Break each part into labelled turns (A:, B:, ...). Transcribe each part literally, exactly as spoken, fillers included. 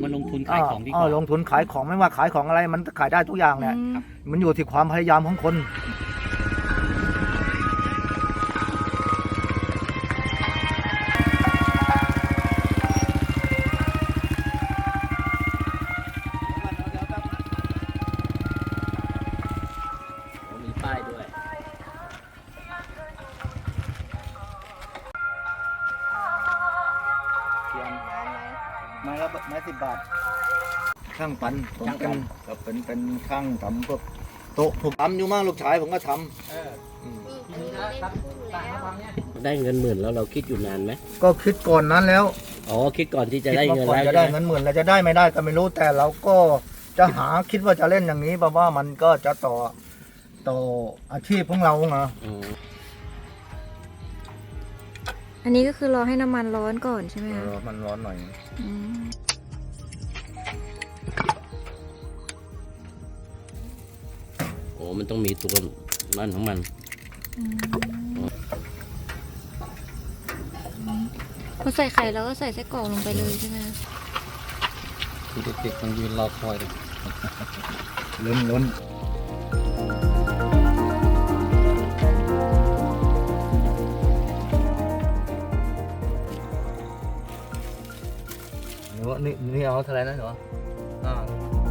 A: มาลงทุนขายของดีก
B: เอ
A: ว่า
B: อลงทุนขายของไม่ว่าขายของอะไรมันขายได้ทุกอย่างแหละ
C: อืม
B: มันอยู่ที่ความพยายามของคน
A: มีป้ายด้วย
B: ไม้ละไม้สิบบาทช่างปันผมเป็นกับเป็นเป็นช่างทำพวกโต๊ะผมทำอยู่มากลูกชายผมก็ทำม
A: ได้เงินหมื่นแล้วเราคิดอยู่นานไหม
B: ก็คิดก่อนนั้นแล้ว
A: อ๋อคิดก่อนที่จะ
B: คิด
A: ได้
B: ว่า
A: เงิน
B: ก่อน
A: แล้ว
B: จะได้เงินหมื่นแล้วจะได้ไม่ได้ก็ไม่รู้แต่เราก็จะหาคิดว่าจะเล่นอย่างนี้เพราะว่ามันก็จะต่อต่ออาชีพของเราไง
A: อืม
C: อันนี้ก็คือรอให้น้ำมันร้อนก่อนใช่ไหม
B: เอ
C: คะ
B: อมันร้อนหน่อย
C: อืม
A: โอ้มันต้องมีตัวนั่นของมัน
C: อืมพอใส่ไข่แล้วก็ใส่ไส้กรอกลงไปเลยใช่ไหมคะ
A: คือเด็กๆมันยืนรอคอยเลย
B: ล้นล้นหนูว่านี่นี่เอาเท่าไหรนะหนูอ่า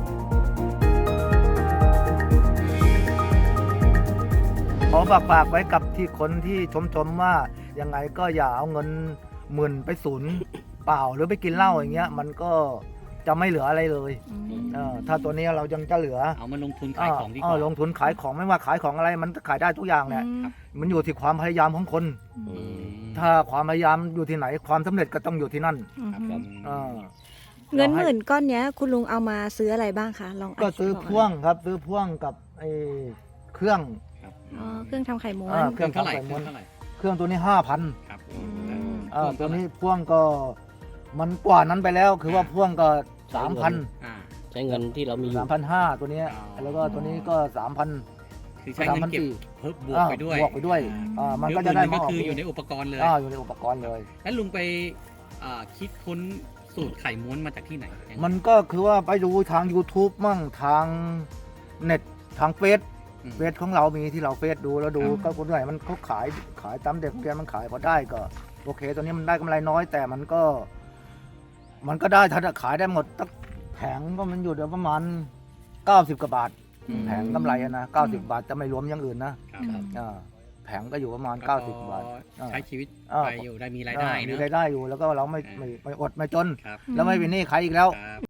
B: ขอฝากฝากไว้กับที่คนที่ชมชมว่ายังไงก็อย่าเอาเงินหมื่นไปศูนย์เปล่าหรือไปกินเหล้าอย่างเงี้ยมันก็จะไม่เหลืออะไรเลย
C: อืม
B: เออถ้าตัวนี้เรายังจะเหลือ
A: เอามาลงทุนขายของดีก
B: เอ
A: ว่า
B: อลงทุนขายของไม่ว่าขายของอะไรมันขายได้ทุกอย่างแหละ
C: อืม
B: มันอยู่ที่ความพยายามของคน
A: อืม
B: ถ้าความพยายามอยู่ที่ไหนความสำเร็จก็ต้องอยู่ที่นั่น
C: อืม
A: ครับผม
B: เออ
C: เงินหมื่นก้อนเนี้ย คุณลุงเอามาซื้ออะไรบ้างคะลอง
B: ก็ซื้อพ่วงครับซื้อพ่วงกับไอ้เครื่อง
A: ครับ
C: อ๋อเครื่องทำไข่ม้ว
B: อ่า
C: น
A: เครื่องเท่าไหร่
B: เครื่อง
A: เค
B: ทำ
A: รื่องเท่าไหร่
B: เครื่องตัวนี้ห้าพัน
A: ครับ
C: อืม
B: อ่าตัวนี้พ่วงก็มันกว่านั้นไปแล้วคือว่าพ่วงก็สามพัน
A: อ่าใช้เงินที่เรามีอ
B: สา
A: ยู่
B: มพันห้าตัวเนี้ย
A: อ๋อ
B: แล้วก็ตัวนี้ก็สามพัน
A: คือใช้เงินเก็บเพิ่มบวกไปด้วย
B: บวกไปด้วย
A: อ่า
B: อ่ามันก็จะได้
A: เยวหมื่นหนึ่ง
B: มาออก
A: ก็คืออยู่ในอุปกรณ์เลย
B: อ่าอยู่ในอุปกรณ์เลย
A: แล้วลุงไปอ่าคิดค้นสูตรไข่ม้วนมาจากที่ไหนยังไง
B: มันก็คือว่าไปดูทาง YouTube มั่งทางเน็ตทางเฟซ
A: อืม
B: เฟซของเรามีที่เราเฟซดูแล้วดู
A: ครับ
B: ก็คนไหนมันเขาขายขายตามเด็กเรียนมันขายพอได้ก็โอเคตัวนี้มันได้กำไรน้อยแต่มันก็ มันก็ได้ถ้าขายได้หมดตั้งแผงก็มันอยู่เดี๋ยวประมาณเก้าสิบกว่าบาท
A: อืม
B: แผงกำไรอะนะเก้าสิบบาทจะไม่รวมอย่างอื่นนะครับ
A: ครับ
B: อ่าแผงก็อยู่ประมาณ
A: แล้ว
B: เก้าสิบบาท
A: ใช้ชีวิต
B: อ่า
A: ไปอยู่ได้มีรายได้
B: อ่ามี
A: เนอะ
B: รายได้อยู่แล้วก็เราไม่ไม่ไม่อดไม่จน
A: ครับ
B: แล้วไม่เป็นหนี้ใครอีกแล้ว
A: ครับ